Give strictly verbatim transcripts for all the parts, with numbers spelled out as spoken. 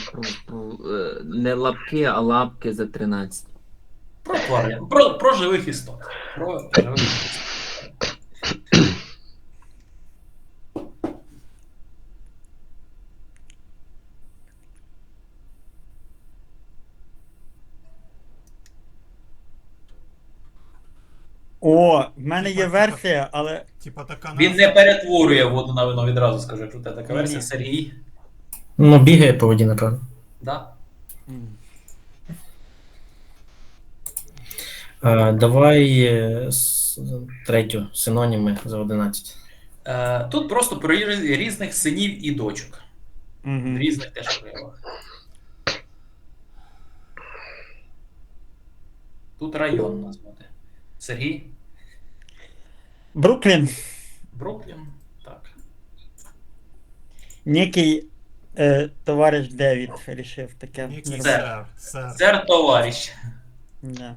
Е, Не лапки, а лапки за тринадцять. Про тварин. Про, про живих істот. Про живих істот. О, в мене Типа, є типа. версія, але. Типа така Він назва. не перетворює воду на вино, відразу скажу, якщо у тебе така Ні-ні. версія. Сергій. Ну, бігає по воді, напевно. Да? м, А, давай е, с- третю синоніми за одинадцять. Е, тут просто про різ- різних синів і дочок. В мгм. різних теж проявах. Тут район назвати. Сергій. Бруклін. Бруклін. Так. Некий е, товариш Девід рішив таке. Який Це. сер. Сер. Сер товариш. Да.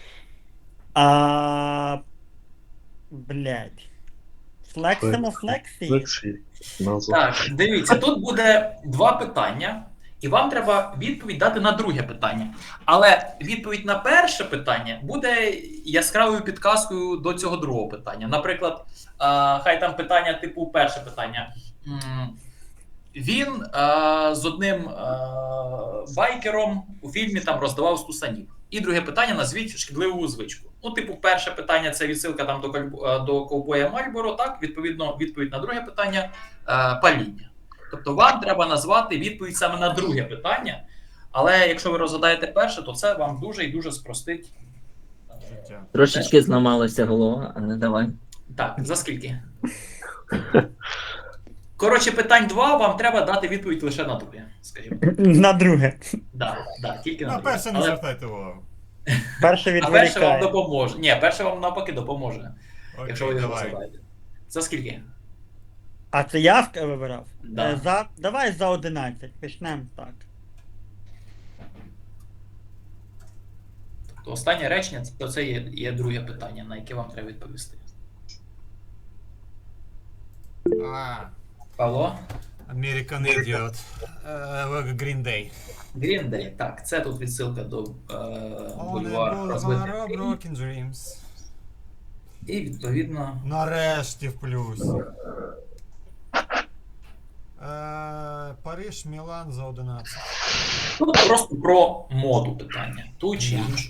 А. Блядь. Флексимо флексі? Лексі. Назва. Так, дивіться, тут буде два питання, і вам треба відповідь дати на друге питання. Але відповідь на перше питання буде яскравою підказкою до цього другого питання. Наприклад, а, хай там питання, типу, перше питання. М, Він а, з одним а, байкером у фільмі там роздавав стусанів. І друге питання назвіть шкідливу звичку. Ну, типу, перше питання це відсилка там до кольбо- до ковбоя Мальборо. Так, відповідно, відповідь на друге питання е, паління. Тобто вам треба назвати відповідь саме на друге питання. Але якщо ви розгадаєте перше, то це вам дуже і дуже спростить. е, Життя. Трошечки зламалася голова, але давай. Так, за скільки? Коротше, питань два, вам треба дати відповідь лише на друге, скажімо. На друге. Да, да, тільки на На друге. перше не Але- звертайте увагу. Перше А перше вам відволікає. допоможе. Ні, перше вам навпаки допоможе, якщо ви Окей, його давай. розгадаєте. За скільки? А це я ск- вибирав? Да. Е, за... Давай за одинадцять. Почнемо так. То останнє речення це, це є, є друге питання, на яке вам треба відповісти. А, Павло? American Idiot. Е, Green Day. Green Day. Так, це тут відсилка до е, On бульвар a розбитих boulevard of мрій. broken dreams. І відповідно. Нарешті в плюсі. Е, Париж, Мілан за одинадцять. Ну, просто про моду питання. Ту чи іншу.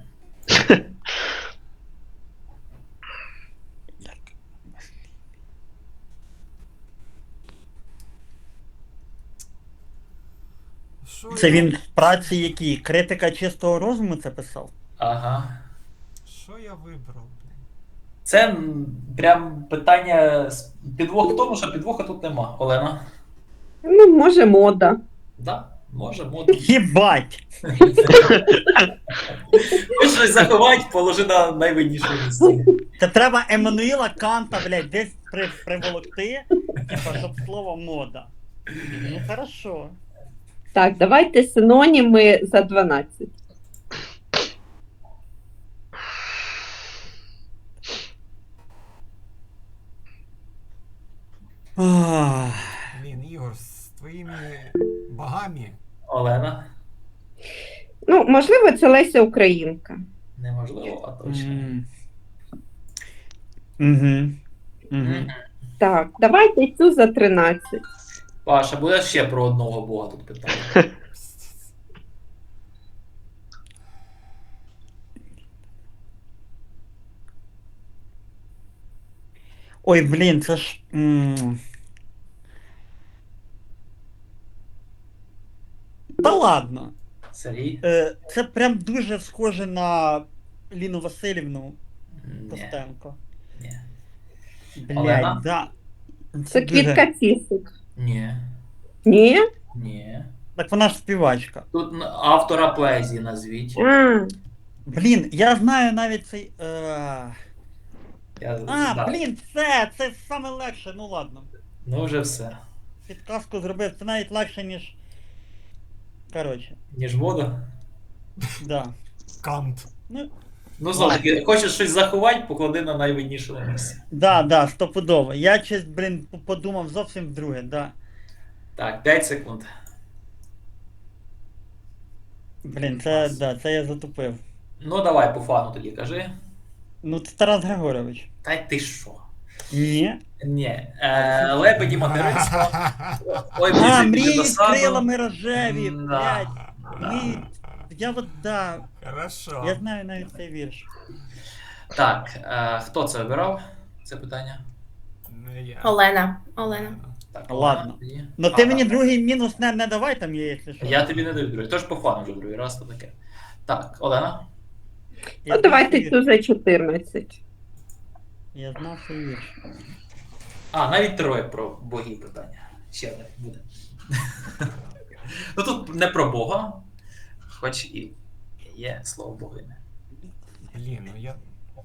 Що Це я- він в праці якій? Критика чистого розуму це писав? Ага. Що я вибрав? блін? Це м, прям питання з- підвох в тому, що підвоха тут нема. Олена? Ну, може, мода. Да, може, моду. Єбать! Хочеш щось заховати, положи на найвинніше місце. Це треба Еммануїла Канта, блядь, десь при, приволокти, типа, щоб слово мода. Ну хорошо. Так, давайте синоніми за дванадцять. Ах. Блін, Ігор, з твоїми богами. Олена? Ну, можливо, це Леся Українка. Неможливо, а точно. М. Мгм. Мгм. Мгм. Так, давайте цю за тринадцять. Паша, буде ще про одного бога тут питання. Ой, блін, це ж. м. Та ладно. Сергій? Е, Це прям дуже схоже на Ліну Васильівну Ні. Костенко. Ні. Блядь, Олена? да. Це дуже- квітка цісик. Ні. Ні? Ні. Так вона ж співачка. Тут н- автора поезії назвіть. А, Блін, я знаю навіть цей. Е... Я... А, да. блін, це, це саме легше, ну ладно. Ну вже все. Підказку зробив, це навіть легше, ніж. Коротше, Ніж вода. да. Кант. Ну, Ну, знову таки, хочеш щось заховати, поклади на найвиннішому місці. да, да, стопудово. Я щось, блін, п- подумав зовсім вдруге, да. Так, п'ять секунд. Блін, це, да, це я затупив. Ну давай по фану тоді кажи. Ну, це Тарас Григорович. Та й ти що? Ні. Ні. Е, лебеді материнство. Ой, А, біжить мрії до з саду. крилами рожеві, Да, блядь. да. Ми... Я от, да, Хорошо. я знаю навіть цей вірш. Так, е, хто це обирав? Це питання? Не я. Олена. Олена. Так, Ладно. тоді. Ну А, ти так. мені другий мінус не, не давай там є, якщо що. Я тобі не даю другий. Тож по фану вже другий раз то таке. Так, Олена. Я Ну, знав давайте свій цю вірш. за чотирнадцять. Я знав свій вірш. А, навіть троє про богів питання. Ще одне буде. Ну тут не про Бога, хоч і є слово богине. Блін, ну я...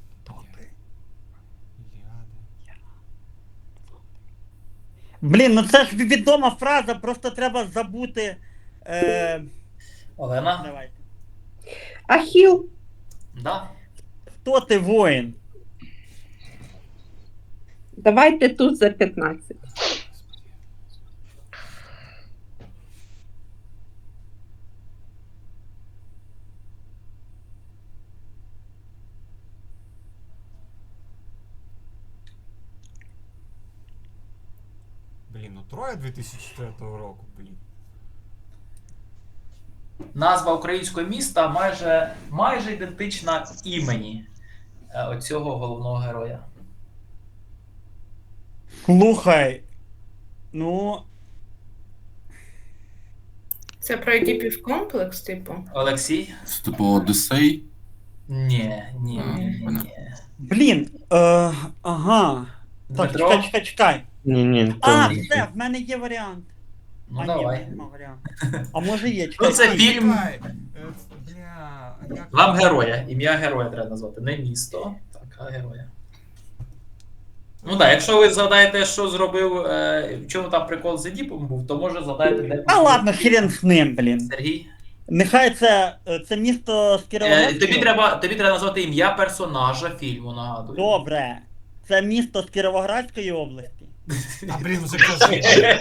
Іліада. Блін, ну це ж відома фраза, просто треба забути. Е... Олена? Давайте. Ахіл. Да? Хто ти воїн? Давайте тут за п'ятнадцять. Блін, ну Троя дві тисячі четвертого року, блін. Назва українського міста майже, майже ідентична імені е, оцього головного героя. Слухай. Ну. Це про Едіпів комплекс, типу. Олексій? Це типу Одіссей. Ні, ні, А, ні, ні, понятно. ні. Блін. Е... Ага. Так, Дмитро? чекай, чекай, чекай. Ні, ні, А, все, в мене є варіант. Ну а, ні, давай. нема варіанту. А може є, чекай. Ну це чекай. фільм. Чекай, е, Бля, а як... Вам героя. Ім'я героя треба назвати. Не місто, так, а героя. Ну так, якщо ви згадаєте, що зробив, е, в чому там прикол з Едіпом був, то може згадайте, де А ладно, хрен з ним, блін. Сергій. Нехай це, це місто з Е, Кіровоградської. тобі, треба, тобі треба назвати ім'я персонажа фільму, нагадую. Добре. Це місто з Кіровоградської області. А, блін, вже кажи.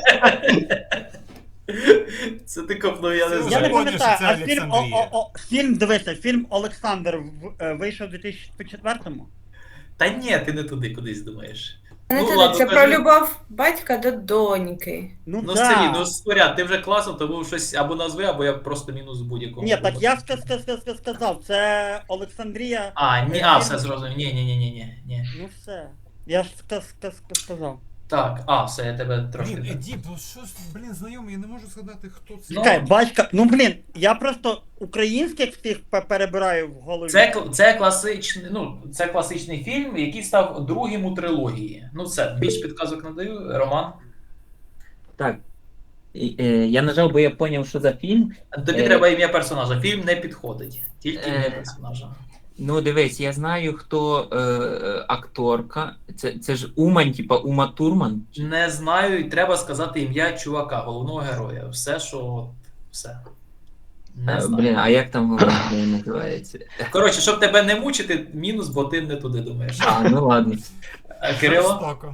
Це ти копнув, я не Це Я не знаю. поняв, пам'ятаю, що а це фільм, о, Олександрія. о, о, фільм, дивися, фільм Олександр в- е, вийшов у дві тисячі четвертому. Та ні, ти не туди кудись думаєш. Не Ну, туди, ладно, це кажи. про любов батька до доньки. Ну, Ну, да. Сергій, ну споряд, ти вже класно, тому щось або назви, або я просто мінус в будь-якому. Ні, так випадку. я ска- ска- ска- ска- сказав, це Олександрія. А, ні, а, все зрозумів. Ні, ні, ні, ні, ні, ні. Ну все. Я ж ска- ска- ска- сказав. Так, а, все, я тебе трошки. Блін, Едіп, ну що ж, блін, знайомий, я не можу згадати, хто це. Ну, Чекай, батька, ну блін, я просто українських всіх пе- перебираю в голові. Це, кл- це класичний, ну, це класичний фільм, який став другим у трилогії. Ну, все, більш підказок не даю. Роман. Так. І, е, я нажав, бо я зрозумів, що за фільм. Тобі Е, треба ім'я персонажа. Фільм не підходить. Тільки ім'я Е, персонажа. Ну, дивись, я знаю, хто е, е, акторка. Це, це ж Умань, типа Ума Турман. Не знаю, і треба сказати ім'я чувака, головного героя. Все, що от, все. Не Е, знаю. Блін, а як там головний герой називається? Коротше, щоб тебе не мучити, мінус, бо ти не туди думаєш. А, ну ладно. Е, Кирило? Жорстоко.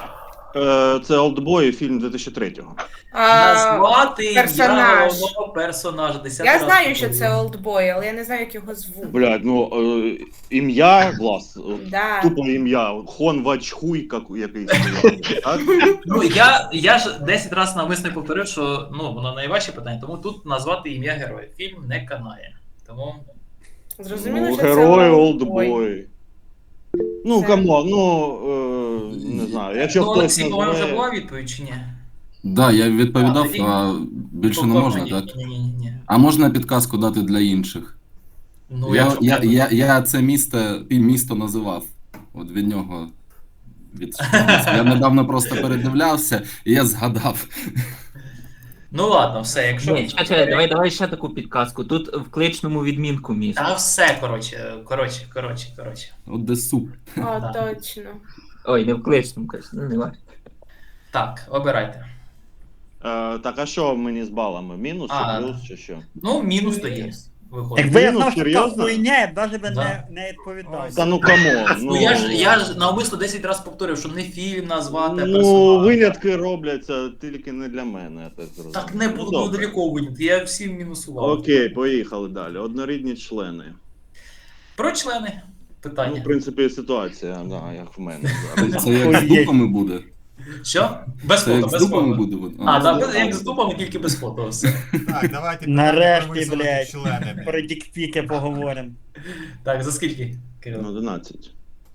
Е, Це Олдбой, фільм дві тисячі третього. А, Назвати ім'я персонаж. головного персонажа. Десятий я раз знаю, що повторюю. це олдбой, але я не знаю, як його звуть. Блядь, ну е, ім'я, влас, е, Да. тупо ім'я. Хон Вачхуй, як якийсь. Так? Ну, я, я ж десять разів навмисно повторив, що ну, воно найважче питання, тому тут назвати ім'я героя. Фільм не канає. Тому Зрозуміло, Ну, що це герой олдбой. Олдбой. Ну, Це- камон, ну, е, не знаю. Якщо ну, хтось Олексій, по-моєму, вже назве... була відповідь чи ні? Да, я відповідав, тоді- а більше не Тобто, можна, ні, так? Ні, ні, ні, ні. А можна підказку дати для інших? Ну, я, якщо я, треба. я, я це місто, місто називав. От від нього. Від... Я недавно просто передивлявся, і я згадав. Ну ладно, все, якщо. Ні, чекай, чекай, давай, давай ще таку підказку. Тут в кличному відмінку місто. Та все, коротше, коротше, коротше, коротше. Одесу. О, Да. точно. Ой, не в кличному, кажу, ну не важко. Так, обирайте. Е, так, а що мені з балами? Мінус А. чи плюс, чи що? Ну, мінус тоді. виходить. Якби я ну, знав, що така серйозно? хуйня, я б навіть би Да. не, не відповідав. Та ну камон. Ну я ж я ж навмисно десять разів повторив, що не фільм назвати, а Ну, персонаж. винятки робляться тільки не для мене, я так зрозумів. Так не Ну, буду добре. далеко винятки, я всім мінусував. Окей, поїхали далі. Однорідні члени. Про члени Ну, питання. в принципі, ситуація, да, як в мене зараз. Це як з Охуєть. дупами буде. Що? Без Це фото, як з без дупами фото. буде. А, да, так, без як з фото. дупами, тільки без фото. Все. Так, давайте Нарешті, про висунуті блядь, члени, блядь. про дікпіки поговоримо. Так, за скільки, Кирило? одинадцять.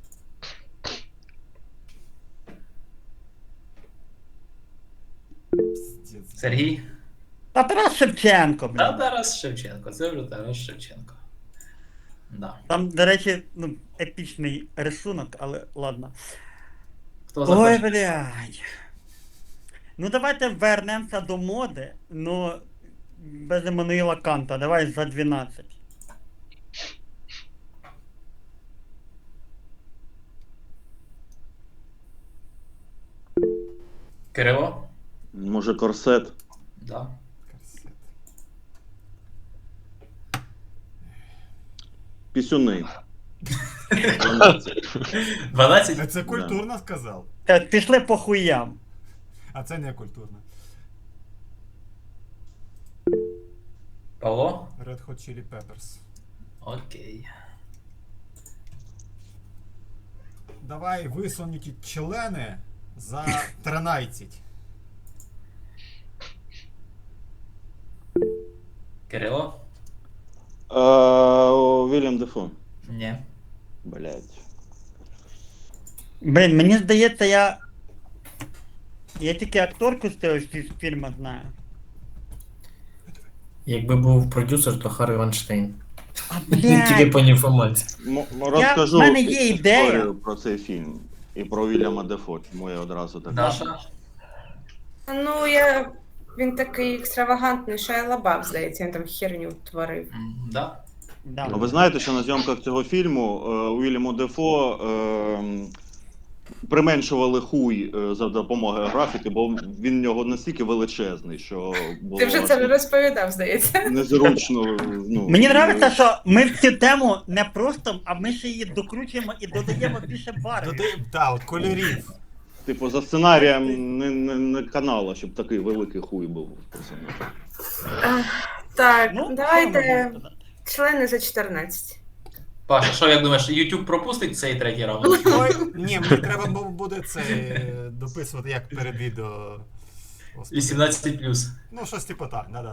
Пиздец. Сергій? Та Тарас Шевченко, Та блядь. Тарас Шевченко, це вже Тарас Шевченко. Да. Там, до речі, ну, епічний рисунок, але ладно. Хто за Ой, перший? блядь. Ну давайте вернемося до моди, ну без Еммануїла Канта, давай за дванадцять. Кирило? Може, корсет? Да. Корсет. Пісюни. дванадцять? Це культурно сказав. Та пішли по хуям. А це не культурно. Павло? Red Hot Chili Peppers. Окей. Давай висунуті члени за тринадцять. Кирило? Е, Вільям Дефо. Ні. Блять. Блін, мені здається, я. Я тільки акторку з цього фільму знаю. Якби був продюсер, то Харві Вайнштейн. А, Тільки блядь, по інформації. М- розкажу в мене є ідея. історію про цей фільм. І про Вільяма Дефо, чому я одразу так. Даша? Ну, я. Він такий екстравагантний, Шайа Лабаф, здається, він там херню творив. М, Да. Да. А ви знаєте, що на зйомках цього фільму е, Уільяму Дефо е, применшували хуй е, за допомогою графіки, бо він в нього настільки величезний, що було Ти вже це аж розповідав, здається. незручно. Ну, Мені подобається, що ми в цю тему не просто, а ми ще її докручуємо і додаємо більше барвів. Додай, та, от кольорів. Типу, за сценарієм не, не, не канала, щоб такий великий хуй був у персонажа. Ах, Так, Ну, що давайте можна сказати? члени за чотирнадцять. Паша, що як думаєш, YouTube пропустить цей третій раунд? Ой, ні, мені треба бу- буде це е, дописувати як перед відео. Господи. вісімнадцять плюс. Ну, щось типу так, да-да.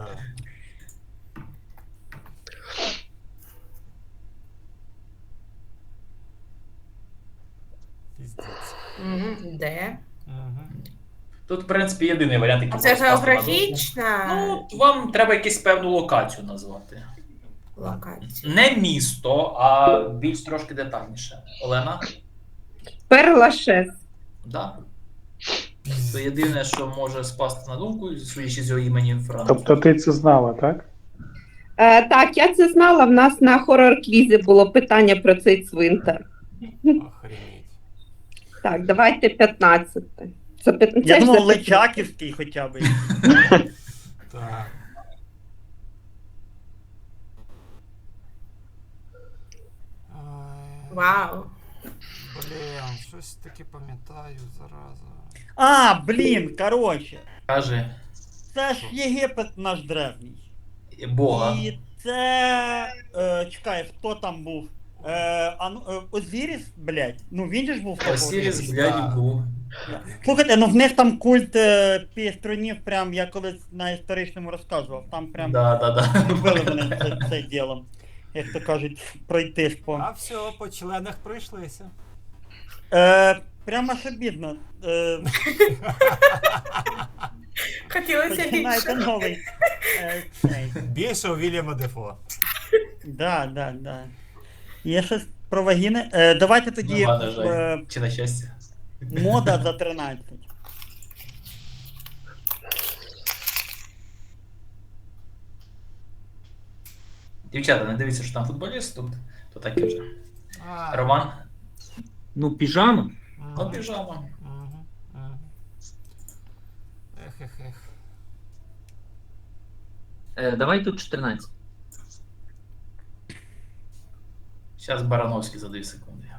Піздець. Мгм, Де? Мгм. Тут, в принципі, єдиний варіант, який А це можна скласти на думку. географічна Ну, вам треба якусь певну локацію назвати. локація. Не місто, а більш трошки детальніше. Олена? Перлашес. Да. Це єдине, що може спасти на думку, судячи з його імені Франк. Тобто ти це знала, так? Е, так, я це знала. В нас на хорор-квізі було питання про цей цвинтар. Охренеть. Так, давайте п'ятнадцяте. Це п'ят- це Я ж думав, за- Личаківський хоча б. Так. Ой, Вау. блін, щось таке пам'ятаю, зараза. А, блін, коротше. Каже Це ж Єгипет наш древній. Бога. І це. Е, чекай, хто там був? Е, а, ну, е, Озіріс, блядь. Ну він же ж був. Осіріс, такий. блядь, був. Слухайте, ну в них там культ е, піструнів, прям я колись на історичному розказував. Там прям Да, да, да. любили вони це, це ділом. Як то кажуть, пройтись по. А все, по членах пройшлися. Е, прямо аж обідно. Е, Хотілося починаєте більше. новий. Е, цей. Більше у Вільяма Дефо. Да, да, да. Є щось про вагіни. Е, давайте тоді Нема, на жаль. е, Чи на щастя. мода за тринадцять. Дівчата, не дивіться, що там футболіст тут, то таке вже. А, Роман? Ну, піжама. мгм, Ну, піжама. мгм, мгм. Ех, ех, ех. Е, давай тут чотирнадцять. Зараз Барановський за дві секунди.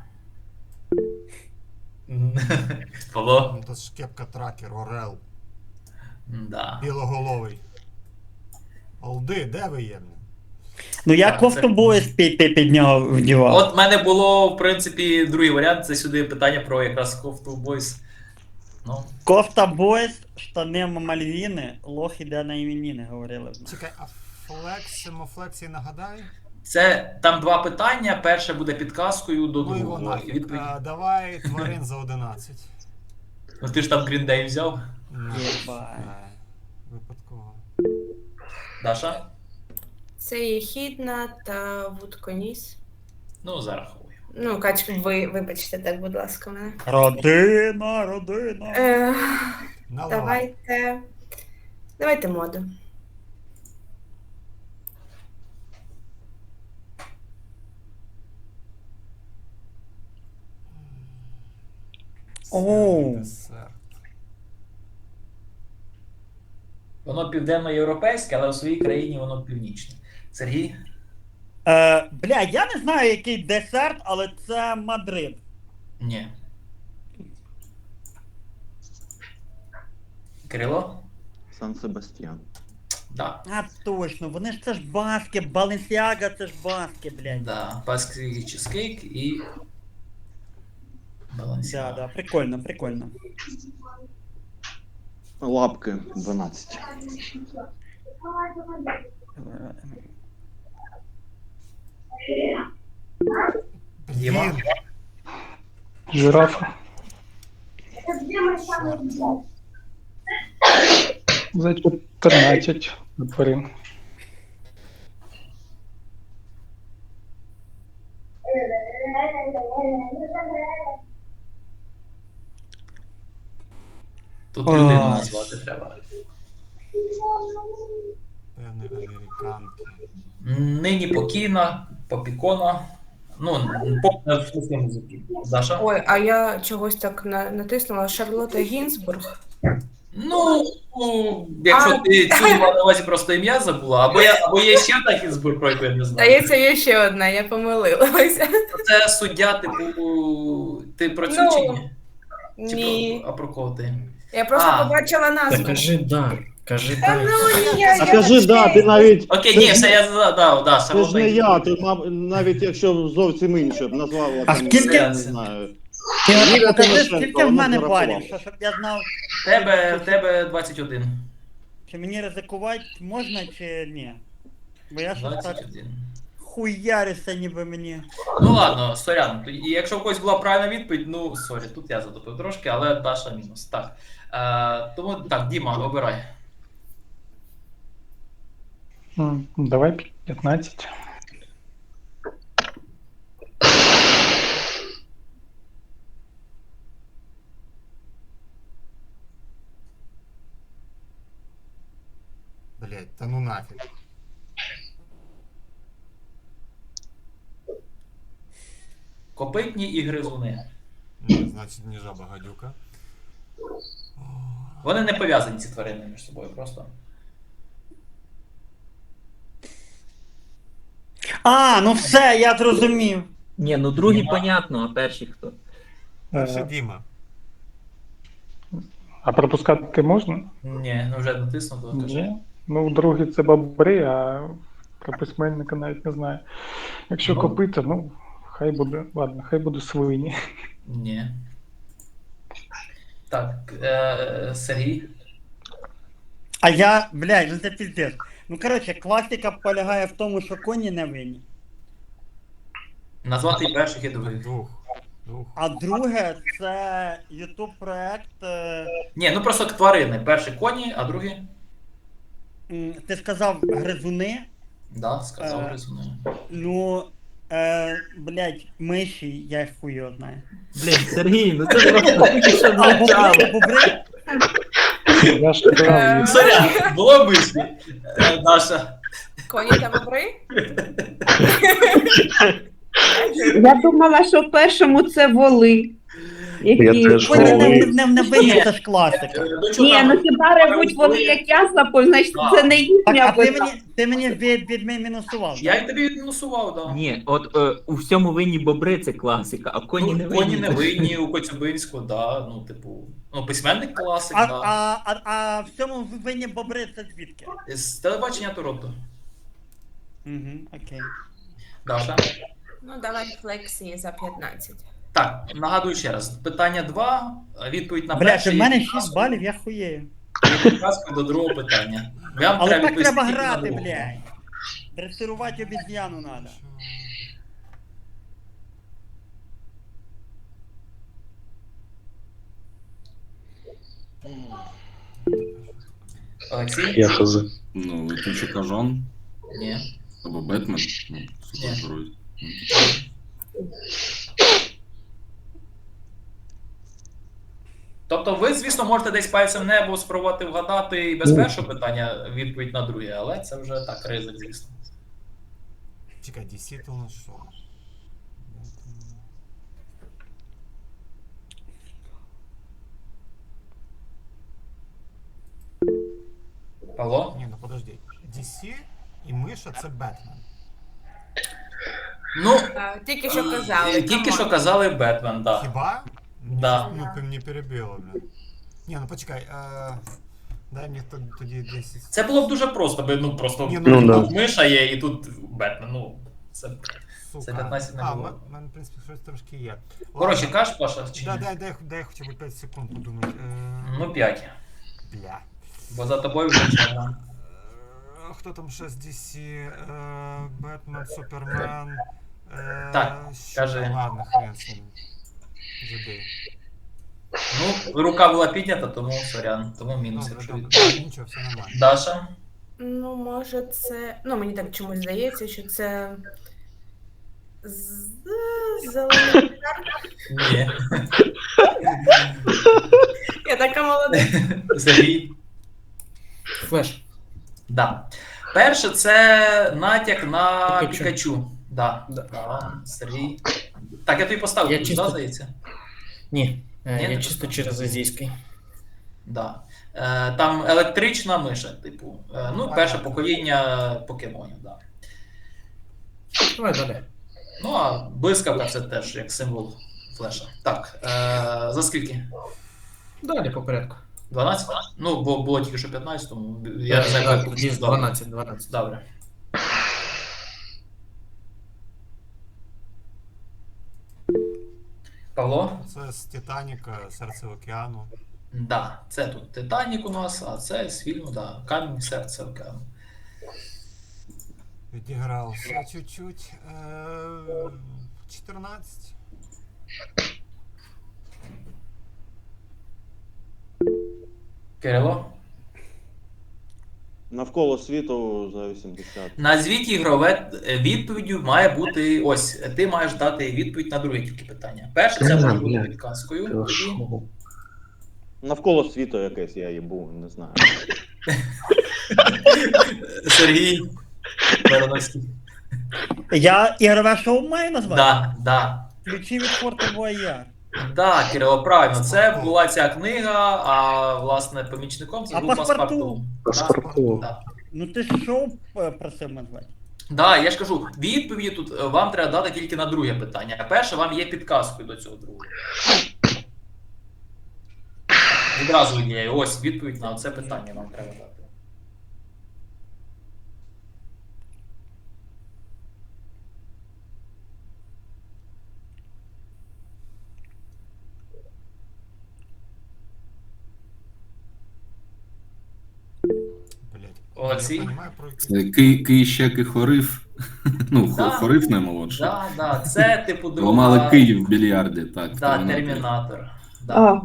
Павло? Ну, то ж кепка тракер, Орел. Да. Білоголовий. Олди, де ви є? блін? Ну я Так, кофту це- боєс під, під, під нього вдівав. От в мене було, в принципі, другий варіант, це сюди питання про якраз кофту бойс. Ну, Кофта боєс, штани Мальвіни, лох іде на іменіни, говорили. Чекай, а флексимо, флексії нагадай? це там два питання. Перше буде підказкою до Ну його другого. І нафіг. відповідь. А, давай тварин за одинадцять. Ну ти ж там Green Day взяв, Ну, Єбать. е, Випадково. Даша? Це Єхідна та Вудконіс. Ну, зараховую. Ну, Кач, ви вибачте так, будь ласка, мене. Родина, родина. Е, Наливай. давайте. Давайте моду. Оу. Десерт. Воно південноєвропейське, але у своїй країні воно північне. Сергій? Е, бля, я не знаю, який десерт, але це Мадрид. Ні. Кирило? Сан Себастьян. Да. А точно, вони ж це ж баски, Баленсіага це ж баски, блядь. Да. Паский чизкейк і. Да, Балансіага. да, прикольно, прикольно. Лапки дванадцять. Діма? Блін, Жирафа. За чотирнадцять тварин. Тут Ой. людину назвати треба. певне американки. Нині покійна, попікона. Ну, попна в смислі музики. Даша? Ой, а я чогось так на- натиснула. Шарлотта Гінзбург. Ну, ну, якщо А. ти цю мала на увазі просто ім'я забула, або, я, або є ще такий збір, про яку я не знаю. Здається, є ще одна, я помилилася. Це суддя, типу, ти про цю Ну, чи ні? Чи Ні. про, а про кого ти? Я просто А. побачила Та назву. кажи да, кажи Та да. ну, ні, я, А я кажи, да, ти навчаю. навіть. Окей, Це ні, ж все, я задав, да, Це ж не Шарлотта. я, ти мав, навіть якщо зовсім інше б назвала А там, скільки- я не знаю. Ти Юрія покажи, Тимошенко, скільки в вона мене зарахувала. балів, що, щоб я знав, В тебе, в тебе двадцять один. чи мені ризикувати можна, чи ні. Бо я щось так двадцять один. хуярюся, ніби мені. Ну ладно, сорян. І якщо в когось була правильна відповідь, ну сорі, тут я затопив трошки, але Даша мінус. Так. Е, тому так, Діма, обирай. М, Давай п'ятнадцять. Блять, та ну нафіг. Копитні і гризуни. Ні, значить, не жаба гадюка. Вони не пов'язані ці тварини між собою просто. А, ну все, я зрозумів. Ні, ну другий Діма. понятно, а перший хто? Перше Е, Діма. А пропускати можна? Ні, ну вже натиснуто. кажи. Ні. Ну, другий це бобри, а про письменника навіть не знаю. Якщо Ну. копита, ну, хай буде, ладно, хай буде свині. Ні. Так, е, Сергій. А я, блядь, ну це піздець. Ну коротше, класика полягає в тому, що коні не винні. Назвати перших і других. Двох. Двох. А друге, це ютуб проект. е, Ні, ну просто тварини. Перші коні, а другі. м, Ти сказав гризуни. Да, сказав Е. гризуни. Ну, е, блядь, миші, я їх хуй його знаю. Блін, Сергій, ну це просто тільки що А, звучало. бобри, бобри? Я ж казав, Сорян, було мислі. Е, Даша. Коні та бобри? Я думала, що в першому це воли. Які... Ви не, не, не, не винні, це ж класика. Е, до чого Ні, там? ну хіба ревуть вони як ясла, значить це не Так, їхня а ти вина. мені, ти мені від, від мінусував. Я й тобі відмінусував, да. Ні, от е, у всьому винні бобри це класика, а коні не Ну, винні. коні не винні, у Коцюбинську, да, ну, типу, ну, письменник класик, А, да. а, а, а в цьому винні бобри це звідки? З телебачення Торонто. Угу, окей. Даша? Ну, давай флексії за п'ятнадцять. Так, нагадую ще раз. Питання два, відповідь на Блядь, перше. у мене є шість підказкою- балів, я хуєю. є підказкою до другого питання. Вам Але треба так відповісти треба тільки на грати, друге. блядь. Дресирувати обіз'яну надо. Олексій? Я хз. Ну, летючий кажан Ні. або Бетмен. Ну, супергерой. Тобто ви, звісно, можете десь пальцем в небо спробувати вгадати і без першого питання відповідь на друге, але це вже так, ризик, звісно. Чекай, ді сі то у нас що? Павло? Ні, ну подожди. ді сі і миша це Бетмен. Ну, А, тільки що е, казали. тільки камон. що казали Бетмен, так. Хіба? Да. Ну, ти мені перебило, блін. Ні, ну почекай, е, дай мені т- тоді десять. Це було б дуже просто, би, ну просто Ні, ну, да. тут миша є і тут Бетмен, ну, це... Сука. це п'ятнадцять не а, було. в мене, в принципі, щось трошки є. Коротше, Ладно. кажеш, Паша, чи Да, ні? дай, дай, дай хоча б п'ять секунд подумати. Е, Ну, п'ять. Бля. Бо за тобою вже черга. Е, Хто там ще з ді сі? Е, Бетмен, Супермен. Е, Так, що? кажи. Ладно, хрен з ним. Забий. Ну, рука була піднята, тому сорян, тому мінус, Добре, якщо добре. відповідь. Нічого, все нормально. Даша? Ну, може, це. Ну, мені так чомусь здається, що це. З... Зелений. Ні. Я така молода. Сергій? Флеш. Да. Перше, це натяк на Пікачу. Пікачу. Да. Да. Да. Сергій. Так, я тобі поставив, Я плюс, чисто- да, здається? Ні, е, Ні, я не чисто поставив. через азійський. Да. Е, там електрична миша, типу. Е, ну, перше покоління покемонів, да. Давай далі. Ну, а блискавка це теж як символ флеша. Так, е, за скільки? Далі по порядку. дванадцять? Ну, бо було тільки що п'ятнадцять, тому я не знаю, Так, як тоді Добре. дванадцять, дванадцять. Добре. Павло? Це з Титаніка, Серце океану. Да, це тут Титанік у нас, а це з фільму, да, Камінь серце океану. Відігрався чуть-чуть. Е, чотирнадцять. Кирило? Навколо світу за вісімдесят. Назвіть ігрове е, відповіддю має бути. Ось, ти маєш дати відповідь на друге тільки питання. Перше, це може бути підказкою. Тоді Навколо світу якесь я їбу, не знаю. Сергій Барановський. Я ігрове шоу маю назвати? Да, да. Ключі від Форта Бояр. Да, Кирило, правильно. Це була ця книга, а власне помічником це А був паспорту? паспорту. Паспорту. Да. Ну ти ж шоу е, просив назвати. Да, я ж кажу, відповіді тут е, вам треба дати тільки на друге питання. А перше вам є підказкою до цього другого. Відразу виділяю. Ось відповідь на це питання вам треба дати. Блять. Олексій? Я розумію, про які- Це Ки, Ки ще Кихорив. Ну, Да. Хорив наймолодший. Да, да, це типу друга... Ламали Київ в більярді, так. Да, Термінатор. Термінатор. Да. А,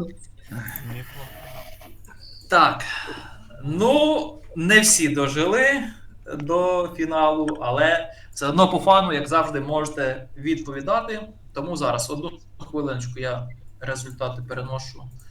Так. Ну, не всі дожили до фіналу, але все одно по фану, як завжди, можете відповідати. Тому зараз одну хвилиночку я результати переношу